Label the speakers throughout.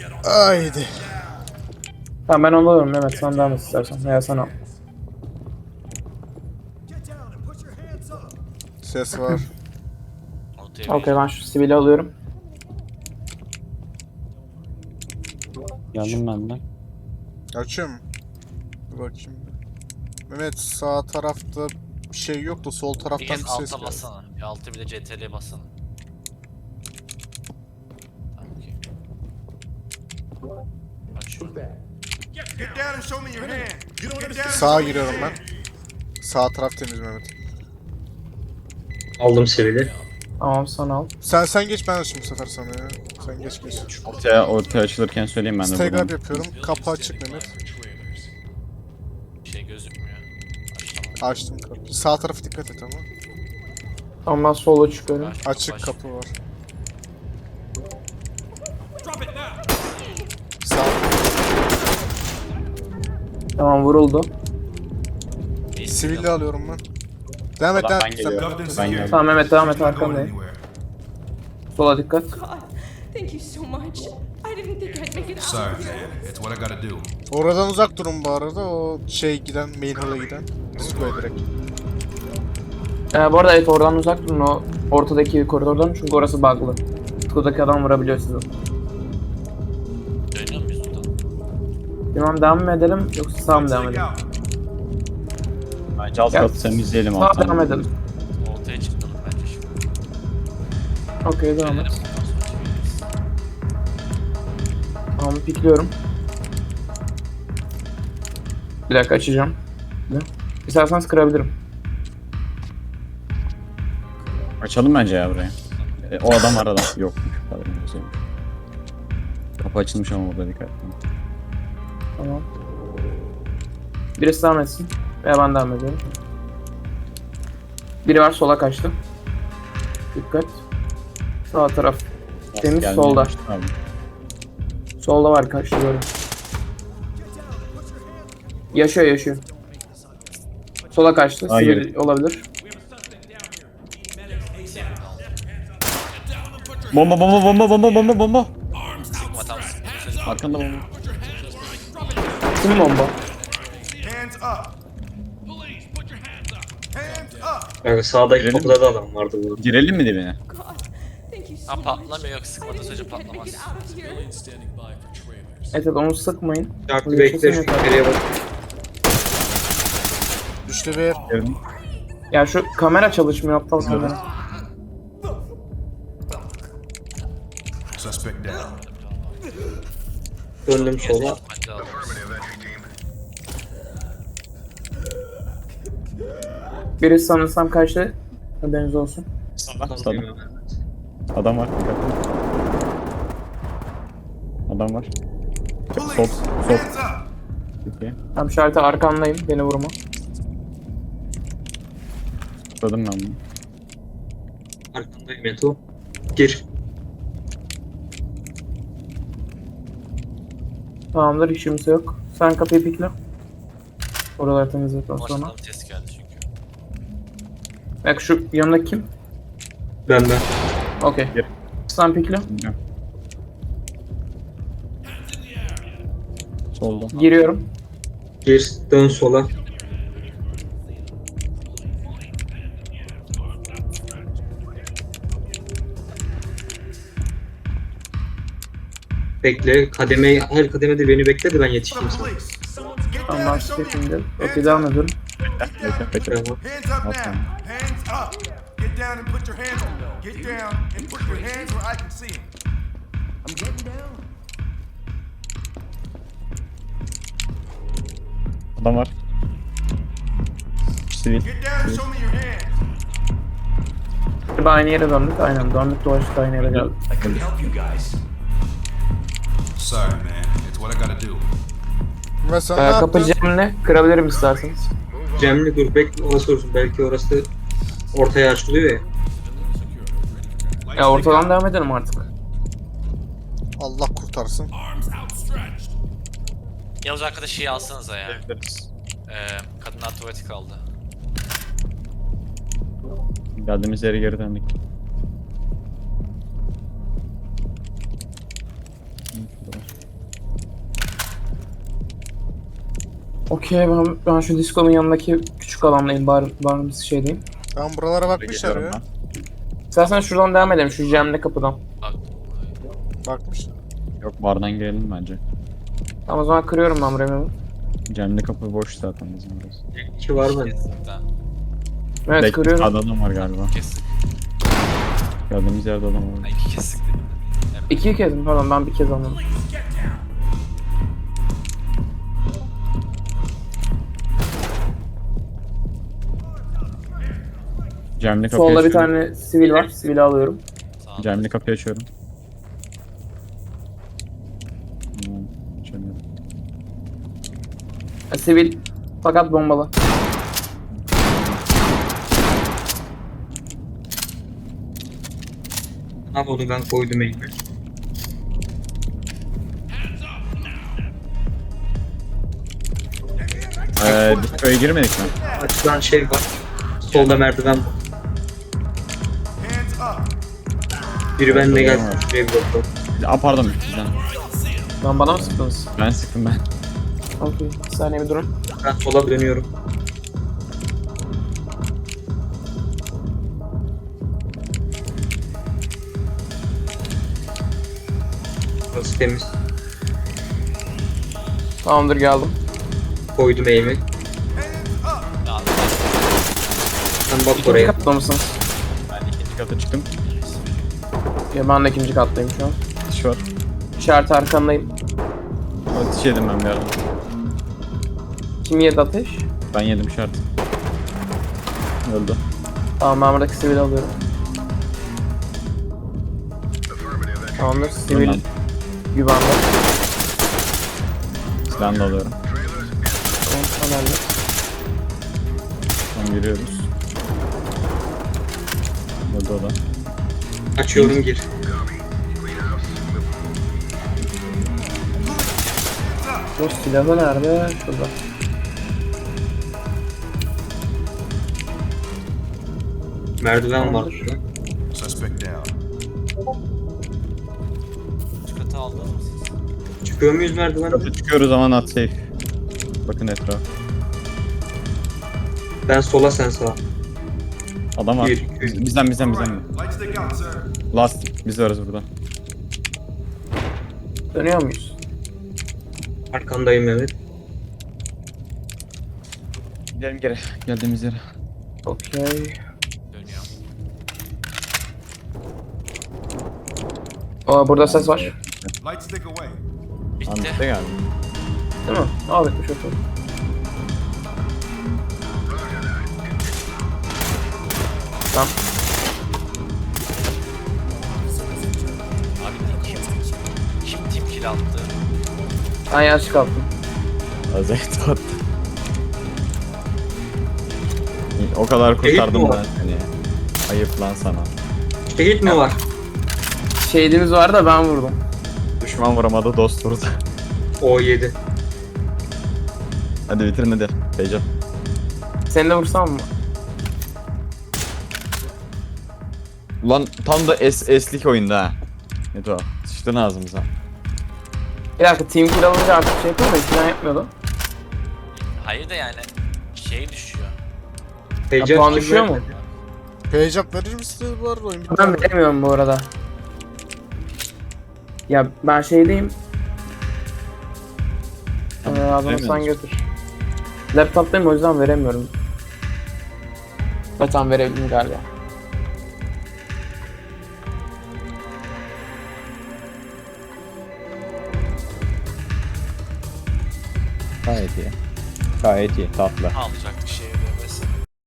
Speaker 1: Haydi.
Speaker 2: Tamam ben onu alıyorum Mehmet, sen devam et istersen veya sen al.
Speaker 1: Ses var.
Speaker 2: Okey, ben şu sivili alıyorum.
Speaker 3: Geldim ben de.
Speaker 1: Açıyor mu? Bir bakayım. Mehmet sağ tarafta bir şey yok da sol
Speaker 4: Bir
Speaker 1: taraftan
Speaker 4: kez
Speaker 1: bir ses
Speaker 4: alta
Speaker 1: geldi.
Speaker 4: bassana. Bir altı bir de CTRL'ye bassana. Tamam, okey. Açıyorum.
Speaker 5: Get down and show me your hand. Get down and
Speaker 1: Sağa
Speaker 5: show me
Speaker 1: giriyorum
Speaker 5: your
Speaker 1: ben.
Speaker 5: hand.
Speaker 1: Sağ taraf temiz Mehmet.
Speaker 6: Aldım sivili.
Speaker 2: Tamam, sen al.
Speaker 1: Sen geç, ben açayım bu sefer sana ya. Sen geç.
Speaker 3: Ortaya açılırken söyleyeyim ben de
Speaker 1: Stagger
Speaker 3: buradan.
Speaker 1: yapıyorum. Kapı açık Mehmet.
Speaker 4: Bir şey gözükmüyor. Açtım.
Speaker 1: Açtım kapıyı. Sağ tarafı dikkat et ama.
Speaker 2: Tamam, ben sola çıkıyorum.
Speaker 1: Açık kapı var. Sağ.
Speaker 2: Tamam, vuruldu.
Speaker 1: Sivilli alıyorum ben. Devam et,
Speaker 3: Ulan
Speaker 1: devam
Speaker 3: ben
Speaker 1: et.
Speaker 3: geliyorum.
Speaker 5: Dubbed in
Speaker 3: Ben
Speaker 5: security.
Speaker 3: geldim.
Speaker 2: Tamam Mehmet, devam et,
Speaker 5: You're not going
Speaker 2: arkandayım.
Speaker 5: anywhere.
Speaker 2: Sola dikkat.
Speaker 7: God, thank you so much. I didn't think I'd make it out
Speaker 5: Sorry,
Speaker 7: of here.
Speaker 5: man. It's what I gotta do.
Speaker 1: Oradan uzak durun bu arada. O giden, main hall'a giden. Square direkt.
Speaker 2: Bu arada evet, oradan uzak durun, o ortadaki koridordan, çünkü orası bug'lı. Kutu'daki adam vurabiliyor sizi.
Speaker 4: Dönüyor muyuz buradan?
Speaker 2: Bilmem, devam mı edelim yoksa sağ mı devam
Speaker 5: Take
Speaker 2: edelim?
Speaker 5: out.
Speaker 3: Bence alt katı temizleyelim
Speaker 2: Sağ
Speaker 3: alttan.
Speaker 2: devam edelim.
Speaker 4: Ortaya çıktım bence şimdi.
Speaker 2: Okey, devam et.
Speaker 4: Gelelim, ondan sonra çeviririz.
Speaker 2: Tamam, pikliyorum. Bir dakika, açacağım. İsterseniz kırabilirim.
Speaker 3: Açalım bence ya burayı. O adam arada. Yok. Kapı açılmış ama burada dikkat edin.
Speaker 2: Tamam. Birisi devam etsin. Veya ben devam ediyorum. Biri var, sola kaçtı. Dikkat. Sağ taraf. Temiz,
Speaker 3: Gelmeye
Speaker 2: solda.
Speaker 3: başladı abi.
Speaker 2: Solda var, kaçtı, gördüm. Yaşıyor. Sola kaçtı.
Speaker 3: Hayır.
Speaker 2: Sivil olabilir.
Speaker 3: Bomba.
Speaker 4: Sıkma tam sıkma.
Speaker 3: Arkanda bomba.
Speaker 2: Kim bomba?
Speaker 5: Hands up. Hands up.
Speaker 6: Yani sağdaki
Speaker 3: Girelim
Speaker 6: kapıda da adam vardı bu.
Speaker 3: Girelim mi dibine?
Speaker 7: God, thank you so
Speaker 4: Ha
Speaker 7: much.
Speaker 4: patlamıyor, yok sıkmadığı
Speaker 7: I
Speaker 4: sürece
Speaker 7: didn't think I'd make
Speaker 4: patlamaz.
Speaker 7: it out of here.
Speaker 2: Evet, onu sıkmayın.
Speaker 6: Şartlı
Speaker 2: Bunu
Speaker 6: bekle,
Speaker 2: kesin
Speaker 6: şu
Speaker 2: yeter.
Speaker 6: içeriye bak.
Speaker 1: Düştü bir.
Speaker 3: Girelim.
Speaker 2: Ya şu kamera çalışmıyor, aptal kamera.
Speaker 5: Suspect down.
Speaker 6: Döndüm sola.
Speaker 4: Bence alırız.
Speaker 2: Birisi sanırsam kaçtı. Haberiniz olsun.
Speaker 3: Sağda. Adam var. Dikkat edin. Adam var.
Speaker 5: Police.
Speaker 3: Sol.
Speaker 5: Hands up.
Speaker 3: Peki.
Speaker 2: Tam şartı arkandayım, beni vurma.
Speaker 3: Tutladım ben bunu.
Speaker 6: Arkandayım Meto. Gir.
Speaker 2: Tamamdır, hiç kimse yok. Sen kapıyı pikle. Oraları temizledikten sonra.
Speaker 4: Başından bir ses geldi çünkü.
Speaker 2: Bak şu yanındaki kim?
Speaker 6: Ben.
Speaker 2: Okey.
Speaker 3: Gir.
Speaker 2: Sen pikle.
Speaker 3: Bilmiyorum. Solda.
Speaker 2: Giriyorum.
Speaker 6: Gir. Dön sola. Bekle. Her kademede beni bekle de ben yetişeyim sana.
Speaker 5: Police. Get down
Speaker 2: Tamam,
Speaker 5: and
Speaker 2: ben
Speaker 5: show me.
Speaker 2: şimdi. Okey, devam ediyorum.
Speaker 3: Bekle.
Speaker 6: Tamam.
Speaker 5: Hands up now.
Speaker 3: Okay.
Speaker 5: Hands up. Get down and put your hands. Get down and put your hands where I can see them. I'm getting down.
Speaker 3: Adam var. Sivil.
Speaker 5: Get down and show me your hands.
Speaker 2: Bir aynı yere döndük. Aynen, döndük, dolaştık, aynı yere geldik.
Speaker 5: I can help you guys. Sorry, man. It's what I gotta do.
Speaker 1: Mesela ne
Speaker 2: Kapı
Speaker 1: yaptın?
Speaker 2: camını kırabilirim isterseniz.
Speaker 6: Cemli dur bekle orası olsun. Belki orası ortaya açılıyor ya.
Speaker 2: Ya ortadan devam edelim artık.
Speaker 1: Allah kurtarsın.
Speaker 4: Yavuz arkadaş şeyi alsanıza ya. Kadınlar tuvaleti kaldı.
Speaker 3: Geldiğimiz yere geri döndük. Hı, şurada var.
Speaker 2: Okey, ben şu diskonun yanındaki küçük alandayım. Barımsı şeydeyim.
Speaker 1: Ben buralara bakmışlar
Speaker 3: Geliyorum
Speaker 1: ya.
Speaker 3: ben.
Speaker 2: İstersen şuradan devam edelim. Şu Cem'le kapıdan.
Speaker 4: Bak.
Speaker 1: Bakmışlar.
Speaker 3: Yok bardan girelim bence.
Speaker 2: Tamam o zaman kırıyorum ben burayı.
Speaker 3: Cem'le kapı boş zaten bizim burası.
Speaker 6: 2 var mı?
Speaker 4: Kesinlikle.
Speaker 2: Evet
Speaker 3: Belki
Speaker 2: kırıyorum.
Speaker 3: sağda adam var galiba.
Speaker 4: Kestik.
Speaker 3: Gördüğümüz yerde adam var.
Speaker 4: Ha, iki kestik dedim. Evet.
Speaker 2: İki kez mi? Pardon ben bir kez anladım.
Speaker 3: Cem'le kapıyı
Speaker 2: Solda bir
Speaker 3: açıyorum.
Speaker 2: tane sivil var. Sivili alıyorum.
Speaker 4: Sağ ol.
Speaker 3: Cem'le kapıyı açıyorum. Açamıyorum.
Speaker 2: Sivil fakat bombalı.
Speaker 6: Abi onu ben koydum elime.
Speaker 3: Biz köye girmedik mi?
Speaker 6: Açılan şey var. Solda merdiven var.
Speaker 5: Hands up.
Speaker 6: Biri benimle
Speaker 3: Solda
Speaker 6: gelsin.
Speaker 3: var.
Speaker 6: Şuraya bir bakalım.
Speaker 3: Aa pardon bizden.
Speaker 2: Lan bana mı sıktınız?
Speaker 3: Ben sıktım ben.
Speaker 2: Okey. Bir saniye bir durun.
Speaker 6: Ben sola dönüyorum. Burası temiz.
Speaker 2: Tamamdır geldim.
Speaker 6: Koydum elime.
Speaker 5: Hands up.
Speaker 4: Ya,
Speaker 6: Sen bak
Speaker 2: İkinci
Speaker 6: oraya.
Speaker 2: katta mısınız?
Speaker 3: Ben ikinci kata çıktım.
Speaker 2: Ya ben de ikinci kattayım şu an.
Speaker 3: Ateş var.
Speaker 2: İşaret arkandayım.
Speaker 3: Ateş yedim ben bir ara.
Speaker 2: Kim yedi ateş?
Speaker 3: Ben yedim şart. Öldü.
Speaker 2: Tamam ben buradaki sivil alıyorum. Tamamdır sivil
Speaker 3: Tamam.
Speaker 2: güvende.
Speaker 3: Silahını da alıyorum.
Speaker 2: Tamam önemli.
Speaker 3: Tamam yürüyoruz. Öldü o da.
Speaker 6: Açıyorum gir.
Speaker 2: Bu silahı nerede? Şurada.
Speaker 6: Merdiven var burada.
Speaker 5: Suspect down.
Speaker 4: üç katı aldınız mı siz?
Speaker 6: Çıkıyor muyuz merdivenden?
Speaker 3: Kata çıkıyoruz ama not safe. Bakın etraf.
Speaker 6: Ben sola sen sağa.
Speaker 3: Adam var.
Speaker 6: Bir, iki.
Speaker 3: Bizden.
Speaker 5: Light stick out, sir.
Speaker 3: Last. Biz varız burada.
Speaker 2: Dönüyor muyuz?
Speaker 6: Arkandayım evet.
Speaker 3: Gidelim geri. Geldiğimiz yere.
Speaker 2: Okey.
Speaker 4: Dönüyor.
Speaker 2: Aa burada ses var.
Speaker 5: Light stick away.
Speaker 4: Bitti.
Speaker 3: Anlıkta geldi.
Speaker 2: Değil mi? Aa bitmiş okey. Tamam.
Speaker 4: Abi kim team kill attı?
Speaker 2: Ben yanlış kalktım.
Speaker 3: Azet attı. O kadar
Speaker 6: Şehit mi
Speaker 3: kurtardım
Speaker 6: var?
Speaker 3: ben seni. Ayıp lan sana.
Speaker 6: Şehit mi var?
Speaker 2: Şehidimiz var da ben vurdum.
Speaker 3: Düşman vuramadı, dost vurdu.
Speaker 6: O 7.
Speaker 3: Hadi bitirin hadi. Heyecan.
Speaker 2: Seni de vursam mı?
Speaker 3: Ulan tam da eslik oyunda ha. Ne o? Sıçtın ağzımıza.
Speaker 2: Bir dakika team kill alınca artık şey yapıyor da eskiden yapmıyordu.
Speaker 4: Hayır da yani şey düşüyor.
Speaker 2: Ya, puan düşüyor mu?
Speaker 1: Page up verir misiniz bu arada oyun bitti.
Speaker 2: Ben veremiyorum bu arada. Ya ben şeydeyim. Adamı sen
Speaker 3: veremiyorsun.
Speaker 2: götür. Laptop'tayım o yüzden veremiyorum. Zaten verebildim galiba.
Speaker 3: Gayet iyi. Gayet iyi, tatlı.
Speaker 4: Alacak bir şey ödemesi.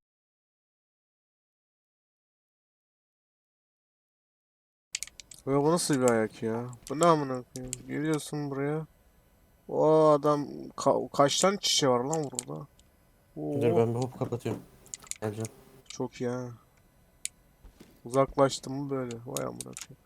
Speaker 1: Ve bu nasıl bir ayak ya? Bu ne amına koyayım? Geliyorsun buraya. O adam kaç tane çiçeği var lan burada? Oo,
Speaker 8: Dur ben bir hop kapatıyorum. Geleceğim.
Speaker 1: çok iyi ha. Uzaklaştım mı böyle? Vay amına koyayım.